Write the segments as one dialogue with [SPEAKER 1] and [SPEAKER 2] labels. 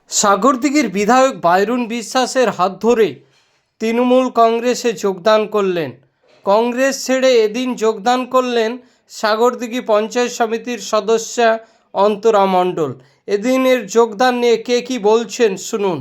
[SPEAKER 1] সাগরদিঘির বিধায়ক বাইরুন বিশ্বাসের হাত ধরে তৃণমূল কংগ্রেসে যোগদান করলেন। কংগ্রেস ছেড়ে এদিন যোগদান করলেন সাগরদিঘি পঞ্চায়েত সমিতির সদস্যা অন্তরা মণ্ডল। এদিনের যোগদান নিয়ে কে কী বলছেন শুনুন।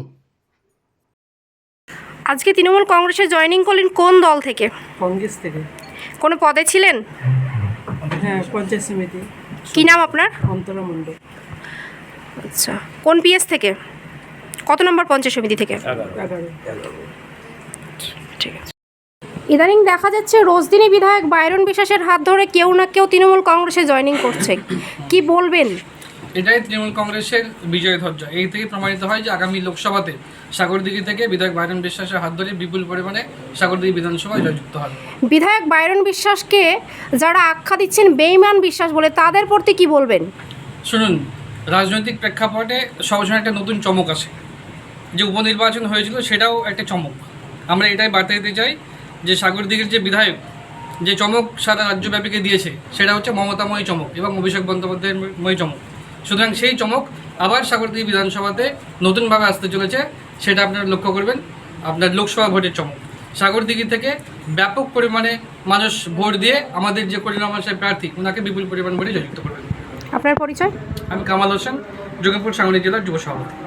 [SPEAKER 2] আজকে তৃণমূল কংগ্রেসে জয়েনিং করলেন কোন দল থেকে?
[SPEAKER 3] কংগ্রেস থেকে।
[SPEAKER 2] কোনো পদে ছিলেন?
[SPEAKER 3] হ্যাঁ, পঞ্চায়েত সমিতি।
[SPEAKER 2] কি নাম আপনার?
[SPEAKER 3] অন্তরা মণ্ডল।
[SPEAKER 2] আচ্ছা, কোন পিএস থেকে? কত নম্বর পঞ্চায়েত সমিতি থেকে?
[SPEAKER 3] 11।
[SPEAKER 2] ঠিক আছে। ইদানিং দেখা যাচ্ছে রোজদিনী বিধায়ক বাইরুন বিশ্বাসের হাত ধরে কেউ না কেউ তৃণমূল কংগ্রেসে জয়েনিং করছে, কি বলবেন?
[SPEAKER 4] এটাই তৃণমূল কংগ্রেসের বিজয় ধ্বজা। এই থেকে প্রমাণিত হয় যে আগামী লোকসভাতে সাগরদিঘি থেকে বিধায়ক বাইরুন বিশ্বাসের হাত ধরে বিপুল পরিমাণে সাগরদিঘি বিধানসভায় জয়যুক্ত হবে।
[SPEAKER 2] বিধায়ক বাইরুন বিশ্বাসকে যারা আখ্যা দিচ্ছেন বেঈমান বিশ্বাস বলে, তাদের প্রতি কি বলবেন?
[SPEAKER 4] শুনুন, রাজনৈতিক প্রেক্ষাপটে সবসময় একটা নতুন চমক আসে। যে উপনির্বাচন হয়েছিল সেটাও একটা চমক। আমরা এটাই বার্তা দিতে চাই যে সাগরদিঘির যে বিধায়ক যে চমক সারা রাজ্যব্যাপীকে দিয়েছে সেটা হচ্ছে মমতাময়ী চমক এবং অভিষেক বন্দ্যোপাধ্যায়ময় চমক। সুতরাং সেই চমক আবার সাগরদিঘি বিধানসভাতে নতুনভাবে আসতে চলেছে, সেটা আপনারা লক্ষ্য করবেন। আপনার লোকসভা ভোটের চমক সাগরদিঘি থেকে ব্যাপক পরিমাণে মানুষ ভোট দিয়ে আমাদের যে করিনামা সাহেব প্রার্থী ওনাকে বিপুল পরিমাণ ভোটে জয়যুক্ত করবেন।
[SPEAKER 2] আপনার পরিচয়?
[SPEAKER 4] আমি কামাল হোসেন, যোগীপুর সাংগঠনিক জেলার যুব সভাপতি।